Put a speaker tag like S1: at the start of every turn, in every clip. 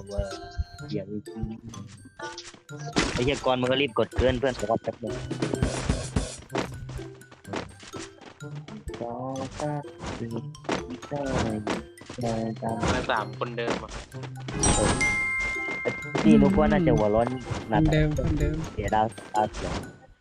S1: ว่าอย่าไปกินไอ้เหี้ยก่อนมันก็รีบกดเกินเพื่อนขอแป๊บนึงก็ถ้าคือได้ตาม
S2: มาสามคนเดิมอ่ะ
S1: ที่นุกว่าน่าจะหัวร้อน
S3: คนเดิมคนเดิม
S1: เสียดาวเสียง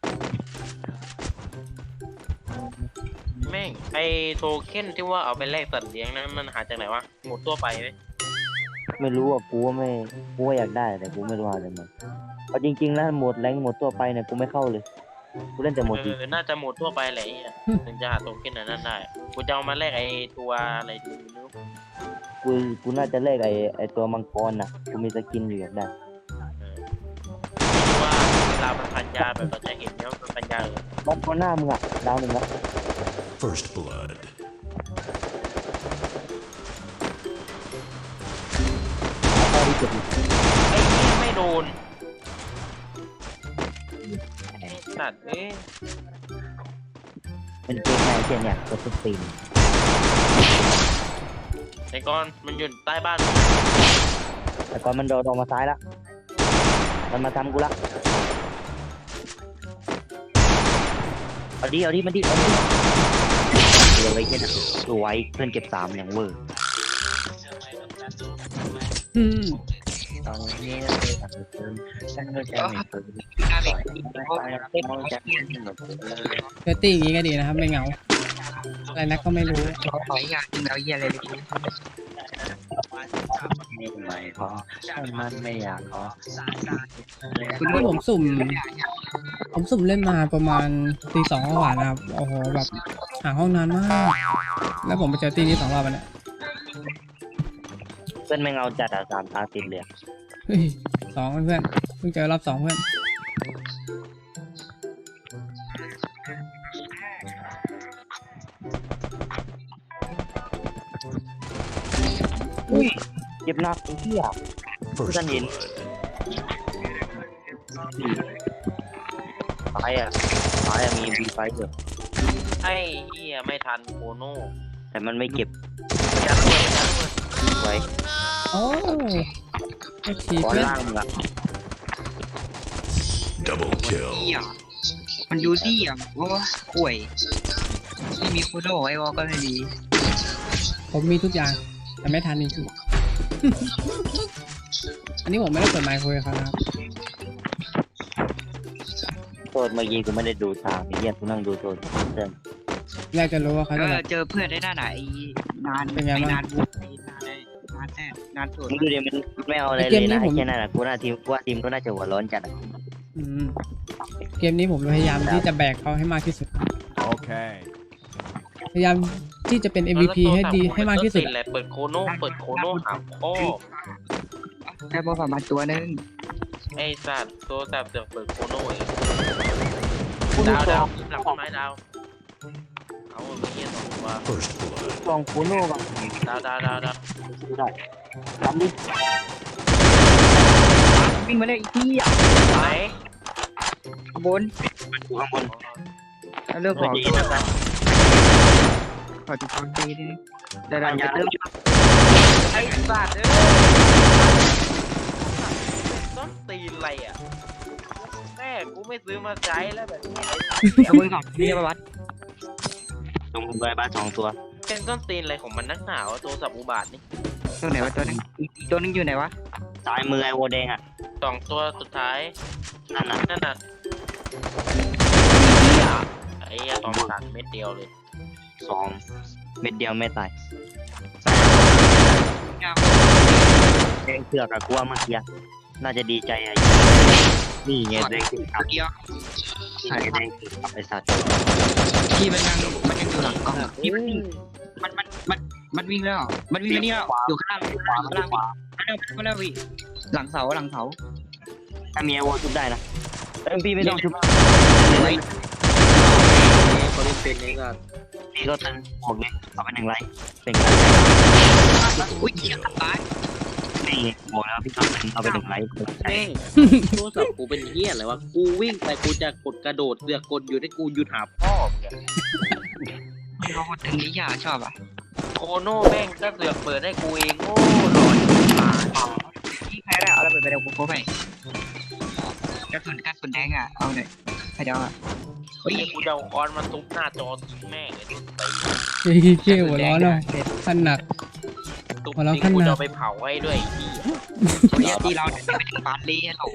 S2: แม่งไอโทเค็นที่ว่าเอาไปแลกสัตว์เลี้ยงนั้นมันหาจากไหนวะหมดตัวไปไหม
S1: ไม่รู้อ่ะกูว่าอยากได้แต่กูไม่รู้หาจากไหนเอาจริงๆแล้วหมดแรงหมดตัวไปเนี่ยกูไม่เข้าเลยกูเล่นแต่หมดดี
S2: น่าจะหมดทั่วไปแหละไอ้เหี้ยถึงจะหาโทเค็นอันนั้นได้กูจะเอามาแลกไอตัวอะไรดีไม่รู้
S1: กูน่าจะเลขไอ้ตัวมังกรน่ะกูมีสกินอยู่อยากได้
S2: ว่าเวลามันพันยาแบบเราจะเห็นเนี่ยมันพันยาเลย
S1: มังกรหน้ามึงอ่ะดาวหนึ่งละ
S4: First blood.
S1: เอาไปเก็บ
S2: ไอ้นี่ไม่โดนไอ้สัตว์เอ้ย
S1: เป็นเกมไหนเช่นเนี่ยกดทุกปีน
S2: ไอ้ก้อนมันอยู่ใต้บ้าน
S1: แต่ก่อนมันโดดออกมาซ้ายละมันมาทำกูละเอาดิมันดิเหลือไว้แค่นั้นสวยเพื่อนเก็บ3อย่างเวอร์
S3: อืม
S1: ตอนนี้ฉันก็จะไม่เปิด
S3: เซตติ้งอย่างนี้ก็ดีนะครับไม่เหงาอะไรนักก็ไม่รู้
S5: ขออยากกินแล้วเยี่ยอะไรเลย
S1: ไม่พอฉันมันไม่อยากขอ
S3: ที่ผมสุ่มเล่นมาประมาณตี 2กว่านะครับโอ้โหแบบหาห้องนานมากแล้วผมไปเจอตีนี้2 รอบแล้วเนี่ย
S1: เพื่อนไม่เอาจัด3 ตาติดเลย
S3: เฮ้ย2เพื่อนเพิ่งเจอรอบ 2เพื่อน
S1: อุ้ยเจ็บหนักไอ้เหี้ย
S4: First
S1: Saan yun?
S4: blood.
S1: ตายอ่ะมีบีไฟเถอะ
S2: ไอ้เหี้ยไม่ทันโคโน่
S1: แต่มันไม่เก็บ
S2: ยัดเลยยัดเลย
S1: ไว้
S3: โอ้ไอ้ชี
S1: ก้อน
S3: เพื่อน
S1: ล่างมึงอ่ะ
S4: Double
S5: เหี้
S4: kill.
S5: ยมันยูซี่อ่ะโอ้ห่วยที่มีโคโดไอ้วอก็ไม่ดี
S3: ผมมีทุกอย่างแต่ไม่ทันจริงๆ อันนี้ผมไม่ได้เปิดไมค์คุยกับเขานะครับ
S1: โทษเมื่อกี้กูไม่ได้ดูทางไอ้เหี้ยกูนั่งดูโทษเพื่อน
S3: อยากจะรู้ว่าเขาจะแบบ
S5: เจอเพื่อนได้หน้าไหนนาน
S3: เป็นไงบ้าง
S5: นานบุกนานแท้นานสุด
S1: มึงดูดิมันไม่เอาอะไร
S3: เก
S1: เล
S3: ม
S1: ย
S3: นี้
S1: นะ
S3: ผม
S1: แค่นั้นอ่ะกูว่าทีมก็น่าจะหัวร้อนจัดอะ
S3: อืมเกมนี้ผมพยายามที่จะแบกเขาให้มากที่สุด
S4: Okay.
S3: พยายามที่จะเป็น MVP ให้ดีให้มากที่สุด
S2: แหละเปิดโคโน่หาพ่อ
S5: ได้บอลประมาณตัวนึง
S2: ไอ้สัตว์ตัวสัตว์เสือกเปิดโคโน่เองดาวหลังต้นไม้ดาวเอาเงี้ย2 ตัว
S4: First blood.
S1: ลองคูโน่ก่อน
S2: ดาว
S1: ดูได้ทำดิ
S5: วิ่งมาเลยอีกที่อ่ะ
S2: ไหน
S5: ข้างบน
S1: ดูข้างบน
S5: แล้วเลือกของ
S1: ดีนะครับ
S5: ขอจุดตอนตีดิได้
S1: ปัญญาเริ่ม
S2: ไอ้สัตว์เอ้ยต้องตีนอะไรอ่ะแม่กูไม่ซื้อมาใช้แล้วแบบนี้
S5: ขโมยของนี่ประวัติ
S1: ตรงใบบ้าน2 ตัว
S2: เป็นต้นตีนอะไรของมันนักหนาวะตัวสับอุบาทนี่
S5: ตัวไหนวะตัวนึงอีกตัวนึงอยู่ไหนวะ
S1: ซ้ายมือไอ้โวแดงอ่ะ
S2: 2 ตัวสุดท้าย
S1: นั่นน่ะ
S2: นั่นน่ะไอ้ตองสัตว์เม็ดเดียวเลย
S1: 2 เม็ดเดียวไม่ตายแดงเสือกอะกูว่าเมื่อกี้น่าจะดีใจอะนี่ไงแดงเสือก
S5: เดียว
S1: นี่ไงแดงเสือกไอ้สัตว์
S5: ที่มันยังอยู่หลังกล้องที่มันวิ่งมันวิ่งแล้วมันวิ่งแล้วอยู่ข้างล่างมาแล้ววิหลังเสา
S1: ถ้ามีไอโวชุบได้นะเอ็มพีไม่ต้องชุบ
S5: ไว้
S2: เขาเล่นเป็นนี่ก็
S1: พี่ก็ตึงหมดเลยเอาไป1 ไลค์เป็นไง
S5: อุ้ยเหี้ยตาย
S1: นี่บอกแล้วพี่ก็ตึงเอาไป1 ไลค์
S2: เด้งโทรศัพท์กูเป็นเหี้ยอะไรวะกูวิ่งไปกูจะกดกระโดดเสือกกดอยู่ที่กูหยุดหาพ่อมึง
S5: เราคนตึงนี้อย่าชอบอ่ะ
S2: โคโน่แม่งก็เสือกเปิดให้กูเองโง่หลอนตาย
S5: เอาระเบิดไปเดี๋ยวกูโค้งไปกระสุนแดงอ่ะเอาหน่อยใครจะเอาอ่ะเฮ้ย
S2: ไอ้กูจะเอาออนมาทุบหน้าจอทิ้งแม่งเลยไป
S3: เฮ้ยเกี้ยวหัวร้อนเนาะท่านหนัก
S2: ทุบ
S3: หัวเราะ
S2: ทิ้งกู
S3: ขนาด
S2: จะเอาไปเผาให้ด้วยไอ้เหี้ย
S5: เฮ้ยตีเราเนี่ยไม่ถึงปาร์ตี้โห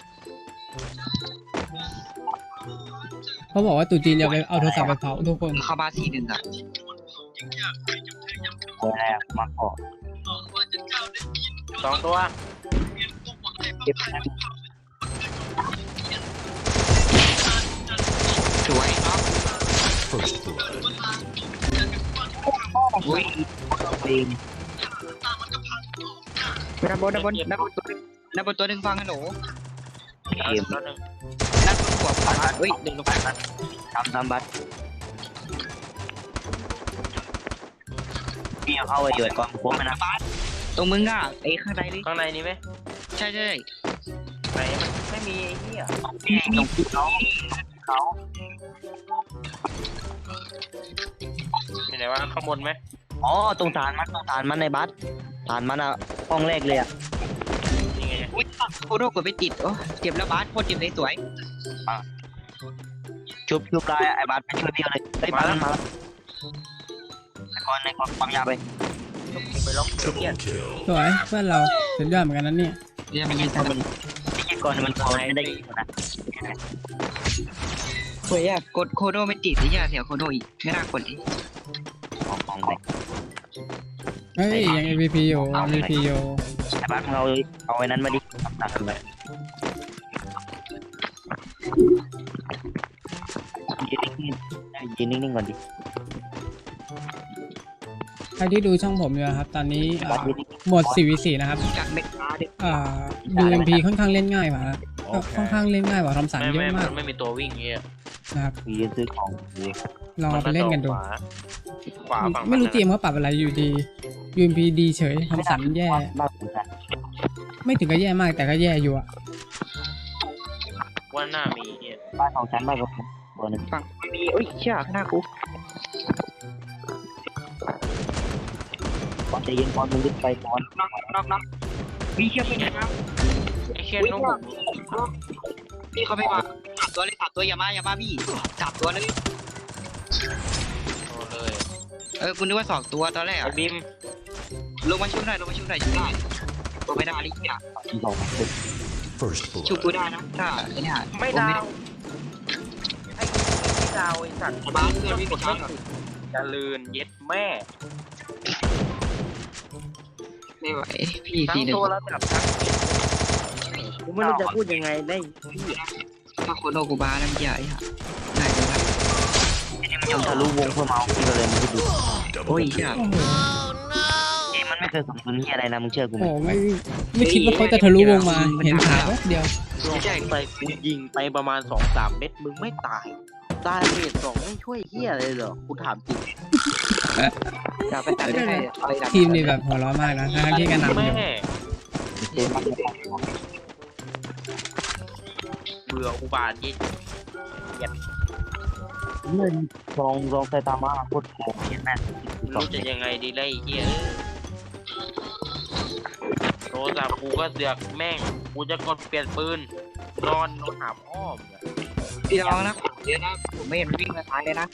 S3: เขาบอกว่าตู่จีนจะไปเอาโทรศัพท์ไปเผาทุกคน
S5: เข้ามา4-1อ่ะ
S1: ตัวแรกมาเกาะ
S2: 2 ตัว
S1: เก็บ
S5: สวยเนาะ
S4: First blood.
S5: อุ้ย
S1: ปีน
S5: ด้านบนตัวหนึ่งฟังกันหนู
S2: เอาตัวหนึ่ง
S5: ด้านบนหัวขวาเฮ้ยดึงลงไป
S1: ทำบัตรพี่เอาเข้าไปอยู่ไอ้กองผมนะ
S5: ตรงมึงอ่ะไอ้ข้างในดิ
S2: ข้างในนี้ไหม
S5: ใช่
S2: ไหนมันไม่มีไอ้เหี้ย
S1: พี่ตรงเขา
S2: อยู่ไหนวะข้างบนไหม
S1: อ๋อตรงฐานมันในบัตรฐานมันอะห้องแรกเลยอะ
S2: นี่ไง
S5: อุ้ยโคโดกดไปติดโอ้เจ็บแล้วบาสโคตรเจ็บเลยสวย
S1: ชุบได้ไอ้บัตรไปช่วยพี่เลยไอ้บัตรมันมาแล้วในกองความยาวไป
S2: กูไปล็อกเหี้ย
S4: Double kill.
S3: สวยเพื่อนเราสุดยอดเหมือนกันนั้นเนี่ย
S5: เนี่ยมันยัง
S1: มันไอ้ก่อนมันพอไม่ได้ยิงนะ
S5: สวยอ่ะกดโคโดไม่ติดไอ้ยาเสียโคโดอีกไม่น่ากดดิ
S1: ของไป
S3: เฮ้ยยัง MVP อยู่ MVP อยู่
S1: ไอ้บัตรมึงเอาไอ้นั้นมาดิตัดกันไปยืนนิ่งๆก่อนดิ
S3: ใครที่ดูช่องผมอยู่นะครับตอนนี้
S1: บัตรยืน
S3: หมด 4v4 นะครับ
S5: จากเม็ดฟ้าดิ
S3: UMP ค่อนข้างเล่นง่ายกว่าครับค่อนข้างเล่นง่ายกว่าทอมสันเยอะมาก
S2: ไม่มีตัววิ่งเงี้ย
S3: นะครับ
S1: ยืนซื้อของอยู่
S3: ลองเอาไปเล่นกันดู
S2: ขวาฝั่ง
S3: ไม่รู้เตรียมเขาปรับอะไรอยู่ดี UMP ดีเฉยทอมสันแย่
S1: บ้านผมกัน
S3: ไม่ถึงกับแย่มากแต่ก็แย่อยู่อะ
S2: ว่าหน้ามีเงี้ย
S1: บ้านของฉันบ้านกับผมตัวหนึ่ง
S5: ฝั่งไม่มีเอ้ยเชี่ยข้างหน้ากู
S1: ก่อนจะยิงก่อนมึงรีบไปก่อน
S5: น้องมีเชี่ยเป็นน้ำ
S2: ไอ้เชี่ยนุ่ม
S5: พี่เขาไม่มา3 ตัวเลย3 ตัวอย่ามาพี่3 ตัวเลย
S2: โอ้เลย
S5: คุณนึกว่า2 ตัวตอนแรก
S2: ไอ้บิม
S5: ลงมาชุบหน่อยชุบได้ตัวไม่ได้ลิเกีย
S1: สองตึก
S4: First
S5: ชุบ
S4: blood.
S5: กูได้นะถ้าไอ้เนี่ย
S2: ไม่ดาวไอ้ดาวไอ้สัตว์
S5: บ้านเพื่อนวิ่งไปช้า
S2: จะลืนเย็ดแม่
S5: ไม่ไหวพี่
S2: ทั้ง
S5: 4-1
S2: โทรศัพท์ทั้งกูไม่รู้จะพูดยังไงได้
S5: ถ้าโคโนกูบ้าแล้วมันใหญ่อะได้เลยครับ
S1: มันยังทะลุวงเพื่อเมาพี่ก็เลยมึงคิดดู
S5: โอ้ย
S4: Double
S5: เชี่ย
S3: โอ้โห
S1: เกมมันไม่เคยสมดุลที่อะไรนะมึงเชื่อกูไหม
S3: โอ้โหไม่คิดว่าเขาจะทะลุวงมาเห็นขาแป๊บเดียว
S2: ไม่ใช่ไปกูยิงไปประมาณ 2-3 เม็ดมึงไม่ตายตายเม็ด2ไม่ช่วยเฮียเลยเหรอกูถามจริง
S5: อยากไปตัดได้อะไรดับ
S3: ทีมนี่แบบหัวเร้อนมากนะทั้งที่กันนำอยู่
S2: แม่
S1: เกมมันไม่ได้
S2: เบื่ออุบาทยิ่ง
S1: เงินลองไซตามาโคตรโกงเห็นไหม
S2: ไม่รู้จะยังไงดีเลยไอ้เฮียโทรศัพท์กูก็เสือกแม่งกูจะกดเปลี่ยนปืนนอนหาพ่อมึงอะ
S5: พี่น้องนะเดี๋ยวนะผมไม่เห็นวิ่งมาท้ายเลยนะ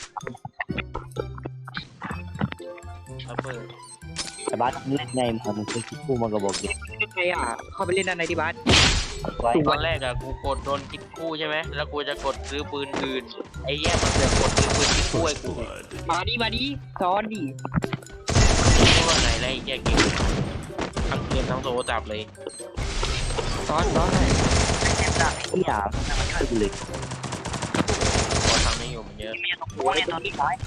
S2: ระเบิด
S1: แต่บ้านเล่นไงมึงเคยคิดกูมากระบอกเด็ก
S5: ใครอ่ะเข้าไปเล่นด้านในที่บ้าน
S1: ไว้
S2: ตอนแรกอะกูกดโดนคิดคู่ใช่ไหมแล้วกูจะกดซื้อปืนอื่นไอ้เหี้ยมันเสือกกดซื้อปืนคิดคู่ไอ้
S4: First
S2: กู
S4: blood.
S5: มาดิซ้อนดิ
S2: เพราะว่าไหนไรไอ้เหี้ยเกมทั้งเกมทั้งโทรศัพท์เลย
S5: ซ้อนเลย
S1: เจ็บหนักไอ้ที่ด่ามันช่วยกูเลย
S2: พอทำไม่อยู่มันเยอะ
S1: มีตรงตัวเนี่ยตัวนี้ซ้าย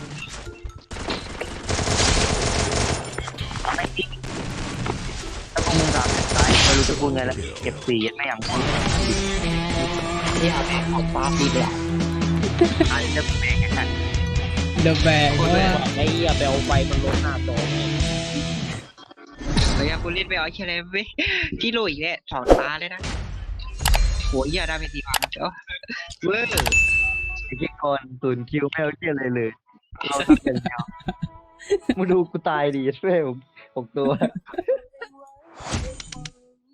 S1: ทำไม่จริงแล้วพวกมึงด่าซ้ายไม่รู้จะพูดไงแล้วเก็บสีไม่อย่างพูด
S5: ที่หาแม่ของฟ้าปีเลยอ่ะ
S1: ไอ้จะเป็นยังไง
S3: เดอะแบกเพราะว่า
S2: ไอ้เหี้ยไปเอาไฟมันลดหน้าจอ
S5: เฮ้ยกูเล่นไปเอาแค่ไหนเว้ยที่โลอีกแล้ว2 ตาเลยนะหัวเหี้ยได้ไป4 วันเอ้าเว้ย
S1: ไอ้ที่ก่อนศูนย์คิวไม่เอาเชี่ยอะไรเลยเราทำเป็นเดียวมาดูกูตายดีช่วยผมตัว